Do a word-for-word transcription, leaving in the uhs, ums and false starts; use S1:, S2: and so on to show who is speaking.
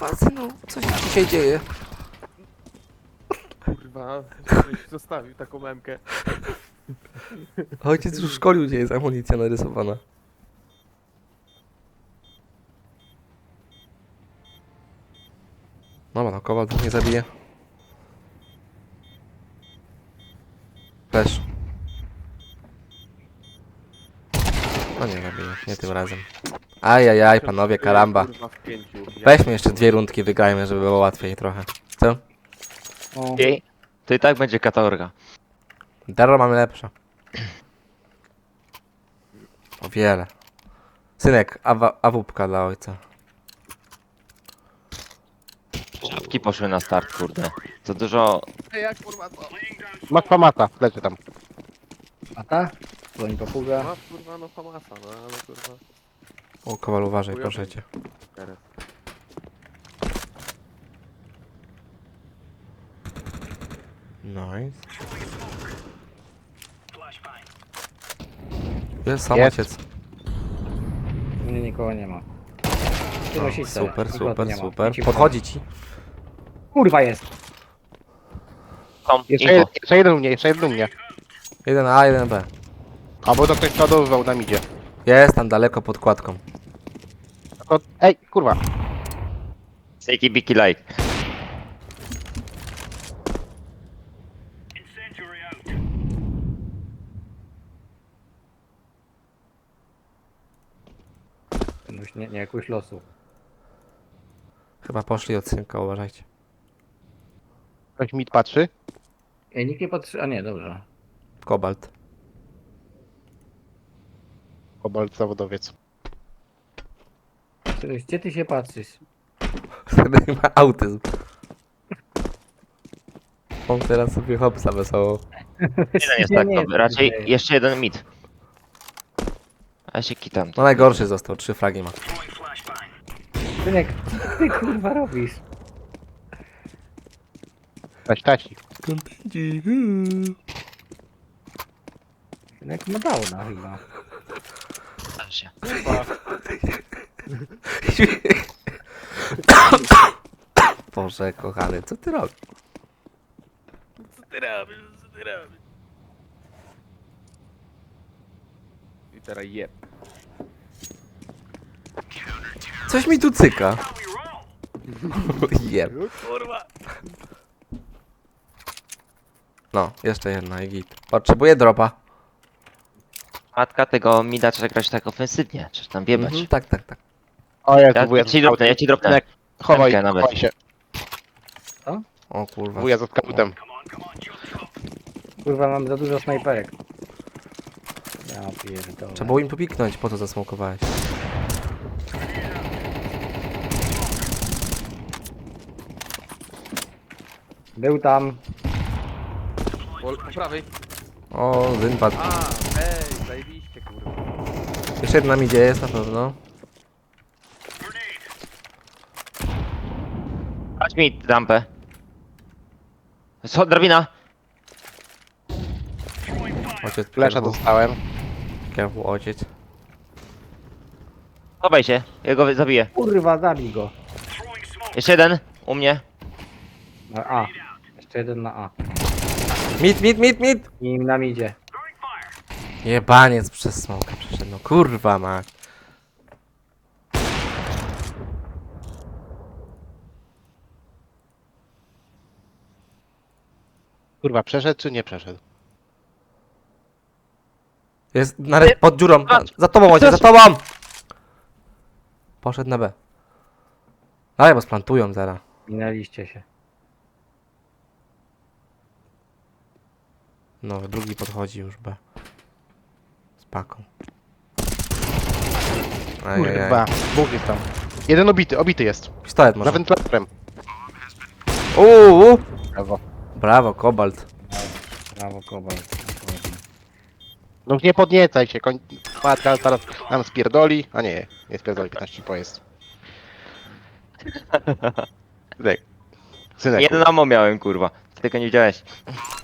S1: Kurwa, synu, co się dzisiaj dzieje?
S2: Kurwa, żebyś zostawił taką memkę.
S1: Ojciec już szkolił, gdzie jest amunicja narysowana. Dobra, no kowal dwóch nie zabije. Flash. No nie zabije, nie tym razem. Ajajaj, panowie, karamba.
S2: Kurwa, w pięciu. Ja
S1: Weźmy jeszcze dwie rundki, wygrajmy, żeby było łatwiej trochę. Co?
S3: O,
S4: I to i tak będzie katorga.
S1: Darro mamy lepsze. O wiele. Synek, awa, awupka dla ojca.
S4: Szafki poszły na start, kurde. Za dużo...
S2: Ej, jak kurwa to?
S3: masz famata, leży tam. A ta? Dzwoni papuga.
S2: Masz kurwa no famasa, no ale kurwa.
S1: O, kowal, uważaj,
S2: Chujowy.
S1: proszę cię.
S2: Teraz.
S1: Nice. Jest sam
S3: Jest.
S1: ojciec.
S3: Nie, nikogo nie ma. Ty
S1: O,
S3: nosisz sobie,
S1: super,
S3: nikogo tu
S1: super,
S3: nie ma.
S1: super.
S3: Idź ci
S1: Podchodzi ci.
S3: Kurwa jest!
S4: Tom,
S3: Jeszcze,
S4: info.
S3: jeden, jeszcze jeden u mnie, jeszcze jeden u mnie.
S1: Jeden A, jeden B.
S3: A bo to ktoś przodowywał, nam idzie.
S1: Jest tam daleko pod kładką.
S3: Tylko, ej, kurwa.
S4: Sejki biki like.
S3: Już nie, nie jakoś losu.
S1: Chyba poszli od synka, uważajcie.
S3: Ktoś mit patrzy?
S5: Ej, nikt nie patrzy. A nie, dobrze.
S1: Kobalt.
S3: Kobalt zawodowiec.
S5: Cześć, gdzie ty się patrzysz?
S1: Wtedy ma autyzm. On teraz sobie hopsa wesoło.
S4: Jeden jest
S5: Nie,
S4: tak
S5: nie,
S4: dobry. Raczej
S5: nie.
S4: jeszcze jeden mit. A ja się kitam.
S1: No najgorszy został, trzy fragi ma.
S5: Synek, co ty kurwa robisz?
S3: Taś, tasi.
S1: Kontenci.
S5: Synek ma downa chyba.
S4: Tam się.
S1: Boże kochany, co ty robisz?
S2: Co ty robisz? Co ty robisz? I teraz jeb.
S1: Coś mi tu cyka. Jeb.
S2: Kurwa.
S1: No, jeszcze jedna i git. Potrzebuję dropa.
S4: Matka tego mida trzeba grać tak ofensywnie. Trzeba tam biebać.
S1: Mhm, tak, tak, tak.
S3: O, ja
S4: Ja,
S3: tu wuja
S4: ja ci dropnę, ja ci dropnę.
S3: Synek, chowaj,
S4: Emkę nawet.
S3: chowaj się.
S1: O kurwa.
S3: Wuja za skautem.
S5: Kurwa, mam za dużo snajperek. Ja pierdolę.
S1: Trzeba było im popiknąć, po co zasmokowałeś.
S5: Był tam.
S2: Po, po prawej.
S1: O, Zyn padł.
S2: A, ej, zajebiście kurwa.
S1: Jeszcze jedna mi jest na pewno.
S4: Chodź mi rampę. Co, drabina?
S1: Ojciec,
S3: Flesza
S1: careful,
S3: dostałem.
S1: careful, ojciec.
S4: Chowaj się, ja go zabiję.
S5: Kurwa, zabij go.
S4: Jeszcze jeden, u mnie.
S5: Na A. Jeszcze jeden na A.
S1: Mit, mit, mit, mit!
S5: I nam idzie.
S1: Jebaniec przez smoka przeszedł, no kurwa ma.
S3: Kurwa, przeszedł czy nie przeszedł?
S1: Jest nawet pod dziurą. Na, za tobą ojciec, za tobą! Poszedł na B. Ale bo splantują zaraz.
S5: Minęliście się.
S1: No, drugi podchodzi już B. Z paką. Ajajaj.
S3: Kurwa, dwóch jest tam. Jeden obity, obity jest.
S1: Pistolet
S3: Za
S1: może.
S3: wentylatorem.
S1: Uuu!
S3: Brawo.
S1: Brawo, Kobalt.
S5: Brawo, kobalt.
S3: No nie podniecaj się, koń... Matka zaraz nam spierdoli. A nie, nie spierdoli, piętnaście po jest. Synek. Synek.
S4: Jeden ammo miałem, kurwa. Ty tego nie widziałeś.